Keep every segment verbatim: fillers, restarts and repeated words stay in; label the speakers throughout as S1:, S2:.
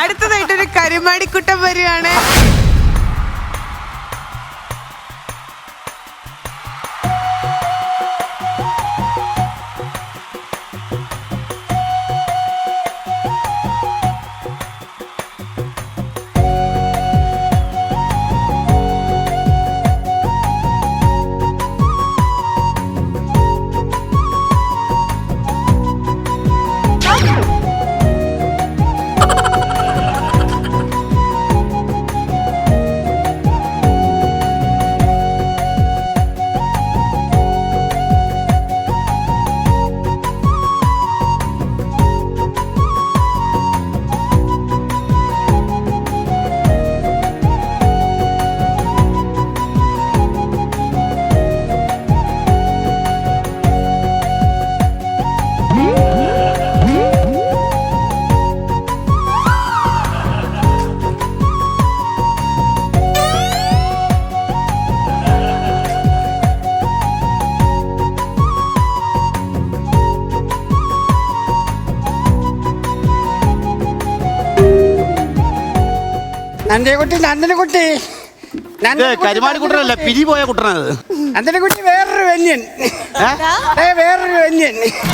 S1: അടുത്തതായിട്ടൊരു കരുമാടിക്കുട്ടം വരികയാണ്.
S2: നന്ദിനിക്കുട്ടി നന്ദിനിക്കുട്ടി
S3: കരുമാടിക്കുട്ടനല്ല, പിരി പോയ കുട്ടനത്.
S2: നന്ദിനിക്കുട്ടി വേറൊരു വന്യൻ, വേറൊരു വന്യൻ.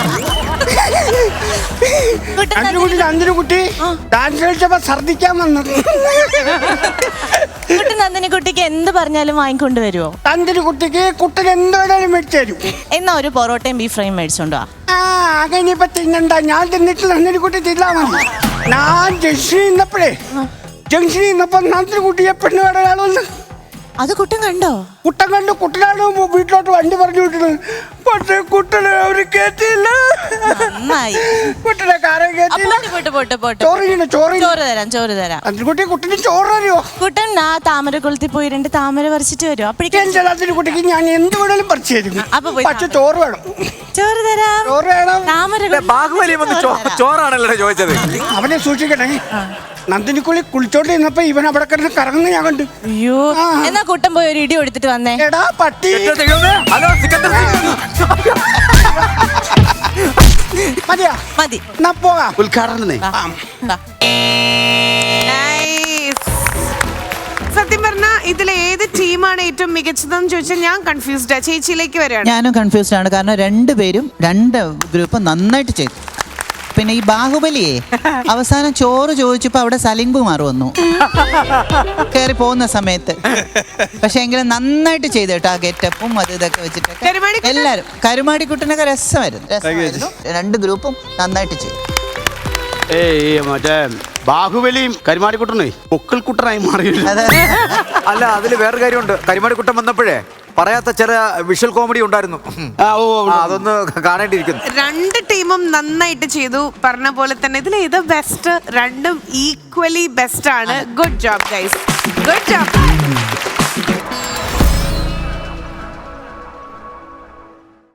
S2: നന്ദിനിക്കുട്ടി നന്ദിനിക്കുട്ടി ഡാൻസ് കളിച്ചപ്പോ ഛർദിക്കാൻ വന്നത്.
S4: നന്ദിനിക്കുട്ടിക്ക് എന്ത് പറഞ്ഞാലും വാങ്ങിക്കൊണ്ട് വരുമോ?
S2: നന്ദിനിക്കുട്ടിക്ക് കുട്ടൻ എന്ത് വേണേലും മേടിച്ചു തരും.
S4: എന്നാ ഒരു പൊറോട്ടയും ബീഫ് ഫ്രൈയും മേടിച്ചോണ്ടോ?
S2: ആ അങ്ങനെ ഇപ്പൊ തിന്നണ്ട, ഞാൻ തിന്നിട്ട് നന്ദിനിക്കുട്ടി തിന്നാ മതി. ഞാൻ ജംഗ്ഷനിൽ നിന്നപ്പോഴേ ജംഗ്ഷനിൽ നിന്നപ്പോ നന്ദിനിക്കുട്ടിയെ പെണ്ണ് വേണയാളൊന്ന്
S4: അത് കുട്ടൻ കണ്ടോ?
S2: കുട്ടൻ കണ്ടു. കുട്ടനാണ് വീട്ടിലോട്ട് വണ്ടി പറഞ്ഞു വിട്ടത്. പക്ഷേ കുട്ടനെ അവര് കേട്ടില്ല. കുട്ടനെ കാര്യം കേട്ടില്ല. ചോറ് ചോറ്
S4: ചോറ് തരാം ചോറ് തരാം.
S2: നന്ദിനിക്കുട്ടി കുട്ടന് ചോറ് തരുമോ?
S4: കുട്ടൻ ആ താമര കുളത്തിൽ പോയി രണ്ട് താമര പറിച്ചിട്ട് വരും.
S2: അപ്പോഴേക്കും നന്ദിനിക്കുട്ടിക്ക് ഞാൻ എന്ത് വേണേലും പറിച്ചു തരും. പക്ഷെ ചോറ് വേണം.
S4: ചോറ് തരാം.
S2: ചോറ് വേണം.
S4: താമര
S5: ബാഹുബലി ചോറാണല്ലോ ചോദിച്ചത്.
S2: അവനെ സൂക്ഷിക്കണേ. നന്ദിനിക്കുള്ളി കുളിച്ചോണ്ട് നിന്നപ്പോ ഇവൻ അവിടെ കിടന്ന് കറങ്ങുന്ന ഞാൻ കണ്ടു.
S4: അയ്യോ, എന്നാ കുട്ടൻ പോയി ഒരു ഇടി എടുത്തിട്ട് വന്നേ.
S2: എടാ പട്ടി. മതിയാ
S4: മതി,
S2: പോകാം.
S3: ഉദ്ഘാടനം.
S1: സത്യം പറഞ്ഞ ഇതിലെ ഏത് ടീമാണ് ഏറ്റവും മികച്ചതെന്ന് ചോദിച്ചാൽ ഞാൻ കൺഫ്യൂസ്ഡാ. ചേച്ചിയിലേക്ക് വരികയാണ്.
S6: ഞാനും കൺഫ്യൂസ്ഡ് ആണ്. കാരണം രണ്ടുപേരും രണ്ട് ഗ്രൂപ്പ് നന്നായിട്ട് ചെയ്തു. പിന്നെ ഈ ബാഹുബലിയെ അവസാനം ചോറ് ചോദിച്ചപ്പോ അവിടെ സലിംബ് മാറി വന്നു കയറി പോകുന്ന സമയത്ത്. പക്ഷെ എങ്കിലും നന്നായിട്ട് ചെയ്തു കേട്ടോ. ആ ഗെറ്റപ്പും അത് ഇതൊക്കെ വെച്ചിട്ടൊക്കെ എല്ലാരും. കരുമാടിക്കുട്ടനൊക്കെ രസമായിരുന്നു രസമായിരുന്നു രണ്ട് ഗ്രൂപ്പും നന്നായിട്ട് ചെയ്തു.
S3: ഏയ് മറ്റേ ബാഹുബലിയും കരുമാടിക്കുട്ടനേ പൊക്കിൾ കുട്ടനായി മാറിയില്ല.
S5: അല്ല, അതില് വേറൊരു കാര്യമുണ്ട്. കരുമാടിക്കുട്ടൻ വന്നപ്പോഴേ പറയാത്ത ചില വിഷ്വൽ കോമഡി ഉണ്ടായിരുന്നു. അതൊന്ന് കാണേണ്ടിയിരിക്കുന്നു.
S1: രണ്ട് ടീമും നന്നായിട്ട് ചെയ്തു. പറഞ്ഞ പോലെ തന്നെ ഇതിൽ ഏത് ബെസ്റ്റ്? രണ്ടും ഈക്വലി ബെസ്റ്റ് ആണ്. Good job guys, good job.